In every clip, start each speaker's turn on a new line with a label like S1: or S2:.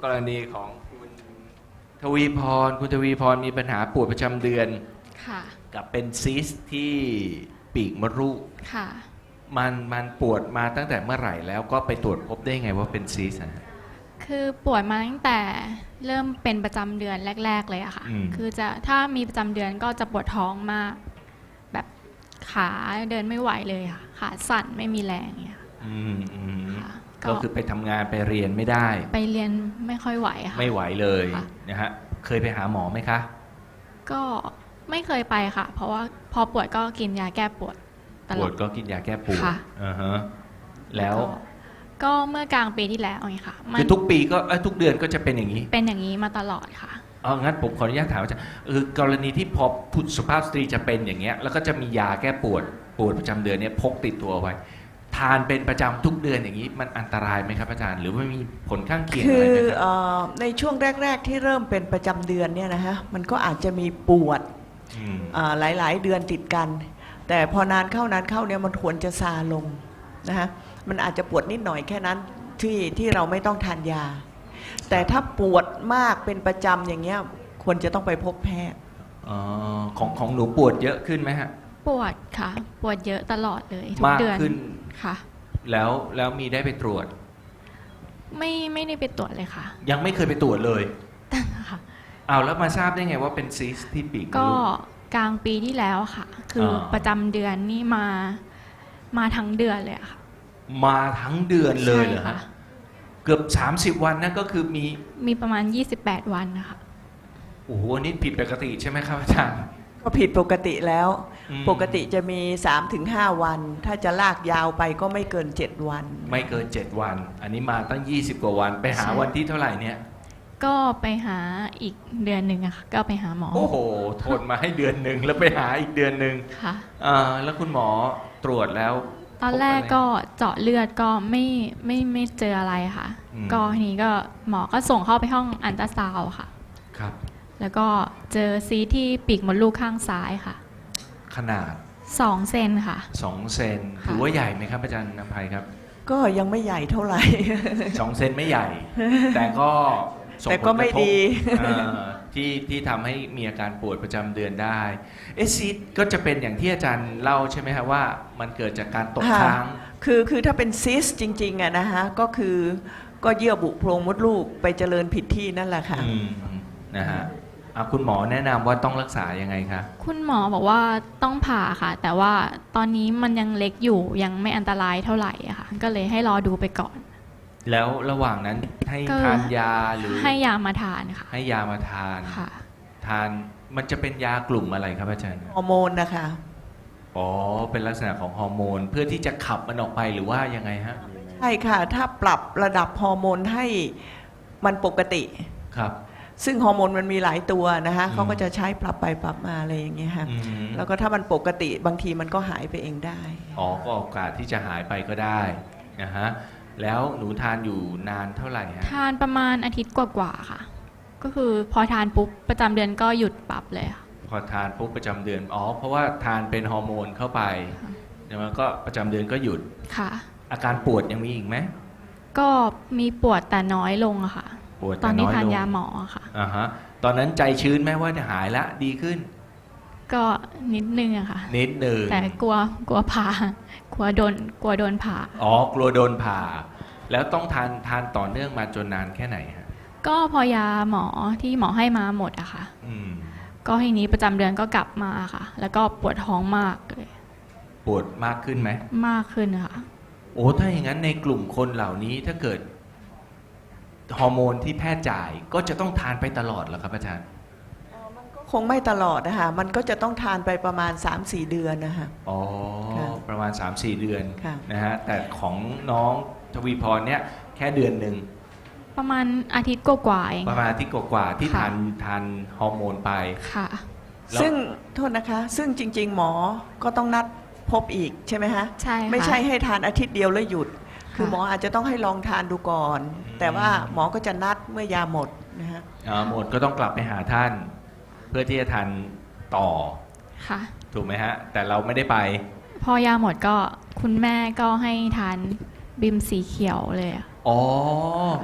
S1: กรณีของคุณทวีพรมีปัญหาปวดประจำเดือน
S2: ค่ะ
S1: กับเป็นซีสต์ที่ปีกมดลูก
S2: ค่ะ
S1: มันปวดมาตั้งแต่เมื่อไหร่แล้วก็ไปตรวจพบได้ไงว่าเป็นซีสต์นะ
S2: คือปวดมาตั้งแต่เริ่มเป็นประจำเดือนแรกๆเลยอะค่ะคือถ้ามีประจำเดือนก็จะปวดท้องมากแบบขาเดินไม่ไหวเลยค่ะขาสั่นไม่มีแรงอย่างเงี้ยค่ะ
S1: ก็คือไปทำงานไปเรียนไม่ได้
S2: ไปเรียนไม่ค่อยไหวค่ะ
S1: ไม่ไหวเลยนะฮะเคยไปหาหมอไหมคะ
S2: ก็ไม่เคยไปค่ะเพราะว่าพอปวดก็กินยาแก้ปวดตลอด
S1: ปวดก็กินยาแก้ปวดแล้ว
S2: ก็เมื่อกลางปีที่แล้วไงค่ะ
S1: คือทุกปีก็ทุกเดือนก็จะเป็นอย่างนี้
S2: เป็นอย่างนี้มาตลอดค่ะ
S1: งั้นผมขออนุญาตถามอาจารย์คือกรณีที่พอผู้สุภาพสตรีจะเป็นอย่างเงี้ยแล้วก็จะมียาแก้ปวดประจำเดือนเนี่ยพกติดตัวไว้ทานเป็นประจำทุกเดือนอย่างนี้มันอันตรายไหมครับอาจารย์หรือว่ามีผลข้างเคียงอะไรไหมครับ
S3: ในช่วงแรกๆที่เริ่มเป็นประจำเดือนเนี่ยนะฮะมันก็อาจจะมีปวดหลายๆเดือนติดกันแต่พอนานเข้เนี่ยมันควรจะซาลงนะฮะมันอาจจะปวดนิดหน่อยแค่นั้นที่เราไม่ต้องทานยาแต่ถ้าปวดมากเป็นประจำอย่างเงี้ยควรจะต้องไปพบแพทย์
S1: ของหนูปวดเยอะขึ้นไหมฮะ
S2: ปวดค่ะปวดเยอะตลอดเลยทุกเดือน
S1: มากขึ้น
S2: ค่ะ
S1: แล้วมีได้ไปตรวจ
S2: ไม่ได้ไปตรวจเลยค่ะ
S1: ยังไม่เคยไปตรวจเลย
S2: ค่ะ
S1: แล้วมาทราบได้ไงว่าเป็นซีสต์ที่ปีก
S2: ก็กลางปีที่แล้วค่ะคือประจำเดือนนี่มาทั้งเดือนเลยค่ะ
S1: มาทั้งเดือนเลยเหรอคะเกือบ30 วันนั่นก็คือมี
S2: ประมาณ28 วันนะคะ
S1: โอ้โหนี่ผิดปกติใช่ไหมครับอาจารย์
S3: ก็ผิดปกติแล้วปกติจะมี 3-5 วันถ้าจะลากยาวไปก็ไม่เกิน7 วัน
S1: ไม่เกิน7 วันอันนี้มาตั้ง20 กว่าวันไปหาวันที่เท่าไหร่เนี่ย
S2: ก็ไปหาอีกเดือนหนึ่งอะค่ะก็ไปหาหมอ
S1: โอ้โหทนมาให้เดือนหนึ่งแล้วไปหาอีกเดือนหนึ่ง
S2: ค่ะ
S1: แล้วคุณหมอตรวจแล้ว
S2: ตอนแรกก็เจาะเลือดก็ไม่เจออะไรค่ะก็ทีนี้ก็หมอก็ส่งเข้าไปห้องอัลตราซาวด์ค่ะ
S1: ครับ
S2: แล้วก็เจอซีสต์ที่ปีกมดลูกข้างซ้ายค่ะ
S1: ขนาด
S2: 2 เซนค่ะ
S1: 2 เซนถือว่าใหญ่ไหมครับอาจารย์นภัยครับ
S3: ก็ยังไม่ใหญ่เท่าไหร่
S1: 2 เซนไม่ใหญ่แต่ก็
S3: ไม่ดี
S1: ที่ทำให้มีอาการปวดประจำเดือนได้ซีสต์ก็จะเป็นอย่างที่อาจารย์เล่าใช่ไหมครับว่ามันเกิดจากการตกค้าง
S3: คือถ้าเป็นซิสจริงๆอะนะฮะก็คือก็เยื่อบุโพรงมดลูกไปเจริญผิดที่นั่นแหละค่ะ
S1: นะฮะคุณหมอแนะนำว่าต้องรักษายังไงคะ
S2: คุณหมอบอกว่าต้องผ่าค่ะแต่ว่าตอนนี้มันยังเล็กอยู่ยังไม่อันตรายเท่าไหร่อะค่ะก็เลยให้รอดูไปก่อน
S1: แล้วระหว่างนั้นให้ทานยาหรือ
S2: ให้ยามาทานค่ะ
S1: ให้ยามาทาน
S2: ค่ะ
S1: ทานมันจะเป็นยากลุ่มอะไรครับอาจารย์
S3: ฮอร์โมนนะคะ
S1: เป็นลักษณะของฮอร์โมนเพื่อที่จะขับมันออกไปหรือว่ายังไงฮะ
S3: ใช่ค่ะถ้าปรับระดับฮอร์โมนให้มันปกติ
S1: ครับ
S3: ซึ่งฮอร์โมนมันมีหลายตัวนะคะเขาก็จะใช้ปรับไปปรับมาอะไรอย่างเงี้ยค่ะแล้วก็ถ้ามันปกติบางทีมันก็หายไปเองได้
S1: ก็โอกาสที่จะหายไปก็ได้นะฮะแล้วหนูทานอยู่นานเท่าไหร่ฮะ
S2: ทานประมาณอาทิตย์กว่าๆค่ะก็คือพอทานปุ๊บประจำเดือนก็หยุดปรับเลยค่ะ
S1: พอทานปุ๊บประจำเดือนเพราะว่าทานเป็นฮอร์โมนเข้าไปแล้วก็ประจำเดือนก็หยุด
S2: ค่ะ
S1: อาการปวดยังมีอีกไหม
S2: ก็มีปวดแต่น้อยลงอะค่ะตอนนี้ทานยาหมอค่ะ
S1: ตอนนั้นใจชื้นไหมว่าจะหายละดีขึ้น
S2: ก็นิดนึงอะค่ะ
S1: นิดนึง
S2: แต่กลัวผ่ากลัวโดนผ่าก
S1: ลัวโดนผ่าแล้วต้องทานต่อเนื่องมาจนนานแค่ไหนฮะ
S2: ก็พอยาหมอที่หมอให้มาหมดอะค่ะก็ทีนี้ประจำเดือนก็กลับมาค่ะแล้วก็ปวดท้องมากเลย
S1: ปวดมากขึ้นไหม
S2: มากขึ้นค่ะ
S1: ถ้าอย่างนั้นในกลุ่มคนเหล่านี้ถ้าเกิดฮอร์โมนที่แพทย์จ่ายก็จะต้องทานไปตลอดเหรอครับอาจารย์
S3: คงไม่ตลอดนะคะมันก็จะต้องทานไปประมาณ 3-4 เดือนนะคะ
S1: ประมาณ 3-4 เดือนนะฮะแต่ของน้องทวีพรเนี่ยแค่เดือนหนึ่ง
S2: ประมาณอาทิตย์กว่าเอง
S1: ประมาณอาทิตย์กว่าที่ทานฮอร์โมนไป
S2: ค่ะ
S3: ซึ่งโทษนะคะซึ่งจริงๆหมอก็ต้องนัดพบอีกใช่ไหมคะ
S2: ใช่
S3: ไม่ใช่ให้ทานอาทิตย์เดียวแล้วหยุดคือหมออาจจะต้องให้ลองทานดูก่อนแต่ว่าหมอก็จะนัดเมื่อยาหมดนะฮะ
S1: หมดก็ต้องกลับไปหาท่านเพื่อที่จะทานต่อ
S2: ค่ะ
S1: ถูกไหมฮะแต่เราไม่ได้ไป
S2: พอยาหมดก็คุณแม่ก็ให้ทานบิมสีเขียวเลย
S1: คุณ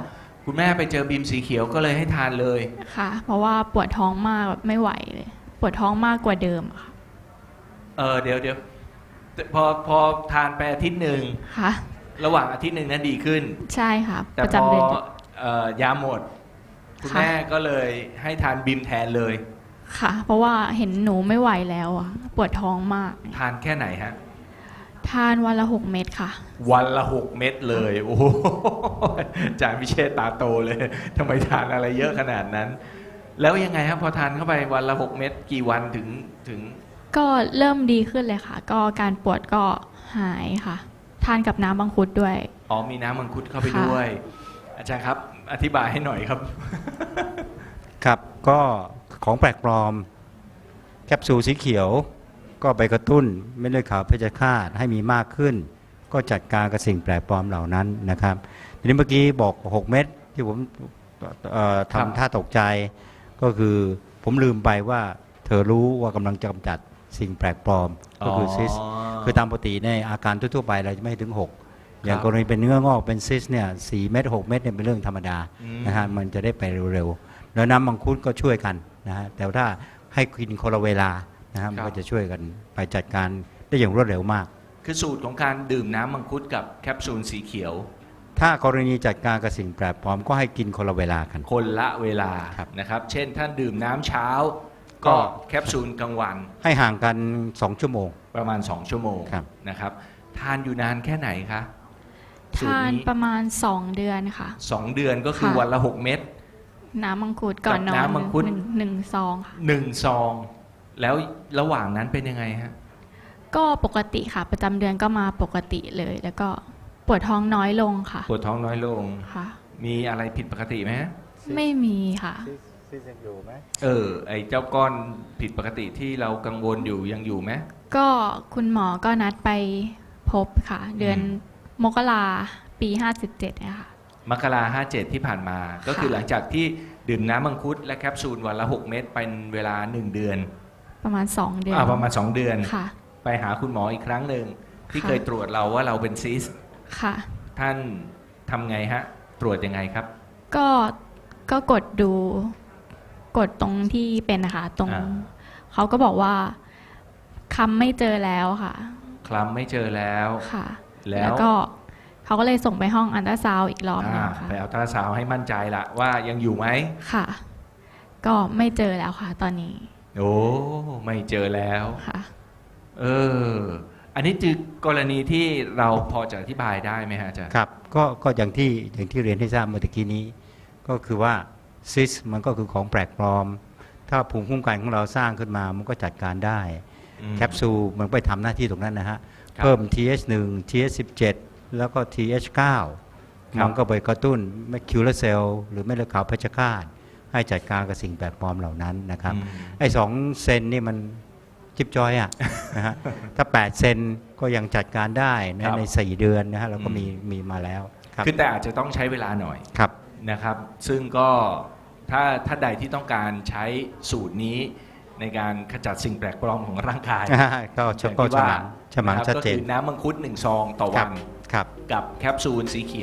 S1: คุณแม่ไปเจอบีมสีเขียวก็เลยให้ทานเลย
S2: ค่ะ เพราะว่าปวดท้องมากแบบไม่ไหวเลย ปวดท้องมากกว่าเดิมอะค่ะ
S1: เดี๋ยวพอทานไปอาทิตย์หนึ่ง
S2: ค่ะ
S1: ระหว่างอาทิตย์หนึ่งนั้นดีขึ้น
S2: ใช่ค่ะ
S1: แต่
S2: ประ
S1: พอ
S2: จำเดือน
S1: ยาหมด คุณ
S2: ค่ะ
S1: แม่ก็เลยให้ทานบีมแทนเลย
S2: ค่ะ เพราะว่าเห็นหนูไม่ไหวแล้วอะปวดท้องมาก
S1: ทานแค่ไหนฮะ
S2: ทานวันละ 6 เม็ดค่ะ
S1: วันละ 6 เม็ดเลย โอ้โหอาจารย์พิเชษตาโตเลยทำไมทานอะไรเยอะขนาดนั้น แล้วยังไงครับพอทานเข้าไปวันละ 6 เม็ดกี่วันถึง
S2: ก็เริ่มดีขึ้นเลยค่ะ ก็การปวดก็หายค่ะ ทานกับน้ำมังคุดด้วย
S1: อ๋อมีน้ำมังคุดเข้าไป
S2: ค่ะ
S1: ด้วย อาจารย์ครับ อธิบายให้หน่อยครับ
S4: ครับก็ของแปลกปลอมแคปซูลสีเขียวก็ไปกระตุ้นเม็ดเลือดขาวเพชฌฆาตให้มีมากขึ้น ก็จัดการกับสิ่งแปลกปลอมเหล่านั้นนะครับทีนี้เมื่อกี้บอก 6 เม็ดที่ผม
S1: ครับ
S4: ทำท่าตกใจ ก็คือผมลืมไปว่าเธอรู้ว่ากำลังจะกำจัดสิ่งแปลกปลอมก็คือซิส คือตามปกติในอาการทั่วๆไปเราจะไม่ถึง 6 อย่างกรณีเป็นเนื้องอกเป็นซิสเนี่ย4 เม็ด6 เม็ดเนี่ยเป็นเรื่องธรรมดา
S1: อืม
S4: นะฮะมันจะได้ไปเร็วๆ แล้วน้ำมังคุดก็ช่วยกันนะฮะแต่ถ้าให้กินคนละเวลานะฮะมันก็จะช่วยกันไปจัดการได้อย่างรวดเร็วมาก
S1: คือสูตรของการดื่มน้ำมังคุดกับแคปซูลสีเขียว
S4: ถ้ากรณีจัดการกับสิ่งแปลกปลอมก็ให้กินคนละเวลากัน
S1: คนละเวลา
S4: ครับ
S1: นะครับ เช่นท่านดื่มน้ำเช้า
S4: ก็
S1: ก็แคปซูลกลางวัน
S4: ให้ห่างกัน2 ชั่วโมง
S1: ประมาณ 2 ชั่วโมง
S4: ครับ
S1: นะครับ ทานอยู่นานแค่ไหนคะสูตร
S2: ทาน
S1: นี้
S2: ประมาณ 2 เดือนค่ะ
S1: 2 เดือนก็คือ
S2: ค่ะ
S1: วันละ 6 เม็ด
S2: น้ำมังคุดก่อนนอน
S1: กับน้ำมังคุด
S2: หนึ่งซองค่ะ
S1: 1 ซอง แล้วระหว่างนั้นเป็นยังไงฮะ
S2: ก็ปกติค่ะ ประจำเดือนก็มาปกติเลย แล้วก็ปวดท้องน้อยลงค่ะ
S1: ปวดท้องน้อยลง
S2: ค่ะ
S1: มีอะไรผิดปกติไหมฮะ
S2: ไม่มีค่ะ
S1: ไอ้เจ้าก้อนผิดปกติที่เรากังวลอยู่ยังอยู่ไหม
S2: ก็คุณหมอก็นัดไปพบค่ะ เดือน
S1: อืม
S2: มกราปี 57นะคะ
S1: มกรา57 ที่ผ่านมา ก็คือหลังจากที่ดื่มน้ำมังคุดและแคปซูลวันละ 6 เม็ดเป็นเวลา 1 เดือน
S2: ประมาณ 2 เดือน
S1: ประมาณ 2 เดือน
S2: ค่ะ
S1: ไปหาคุณหมออีกครั้งหนึ่งที่
S2: ค่ะ
S1: เคยตรวจเราว่าเราเป็นซิส
S2: ค่ะ
S1: ท่านทำไงฮะ ตรวจยังไงครับ
S2: ก็กดดูกดตรงที่เป็นนะคะตรง
S1: อ่า
S2: เขาก็บอกว่าคำไม่เจอแล้วค่ะ
S1: คลำไม่เจอแล้ว
S2: ค่ะ
S1: แล้ว
S2: แล้วก็เขาก็เลยส่งไปห้องอันตราซาวด์อีกรอบหนึงค่ะ
S1: ไปเอาตราซาวด์ให้มั่นใจละว่ายังอยู่ไหม
S2: ค่ะ ก็ไม่เจอแล้วค่ะ ตอนนี้
S1: โอ้ไม่เจอแล้ว
S2: ค่ะ
S1: อันนี้คือกรณีที่เราพอจะอธิบายได้ไหมฮะอาจารย์
S4: ครับก็อย่างที่เรียนให้ทราบเมื่อตะกี้นี้ ก็คือว่าซิสมันก็คือของแปลกปลอม ถ้าภูมิคุ้มกันของเราสร้างขึ้นมามันก็จัดการได้
S1: อืม
S4: แคปซูลมันไปทำหน้าที่ตรงนั้นนะฮะ
S1: ครับ
S4: เพิ่ม TH1 TH17 แล้วก็ TH9
S1: ครับ
S4: มันก็ไปกระตุ้นแมคคิวเลอร์เซลล์หรือเม็ดเลือดขาวเพชฌฆาตให้จัดการกับสิ่งแปลกปลอมเหล่านั้นนะครับ
S1: อืม
S4: ไอ้2 เซนนี่มันจิบจอยอะ นะฮะถ้า 8 เซนก็ยังจัดการได้
S1: ครั
S4: นะ
S1: บ
S4: ใน 4 เดือนนะฮะเราก็
S1: อืม
S4: มีมาแล้วครับ
S1: คือแต่อาจจะต้องใช้เวลาหน่อย
S4: ครับ
S1: นะครับ ซึ่งก็ถ้าใดที่ต้องการใช้สูตรนี้ในการขจัดสิ่งแปลกปลอมของร่างกาย
S4: ก็
S1: อย่าง
S4: ก็
S1: ที่ว่า
S4: ฉมัง
S1: นะครับ
S4: ชัดเจน
S1: ก็คือน้ำมังคุด1 ซองต่อ
S4: ค
S1: วั
S4: รับ
S1: น
S4: ครับ
S1: กับแคปซูลสีเขียว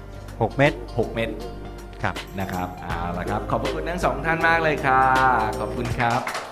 S4: 6 เม็ด
S1: 6 เม็ด
S4: ครับ
S1: นะครับเอาละครับ ขอบพระคุณทั้งสองท่านมากเลยค่ะ ขอบคุณครับ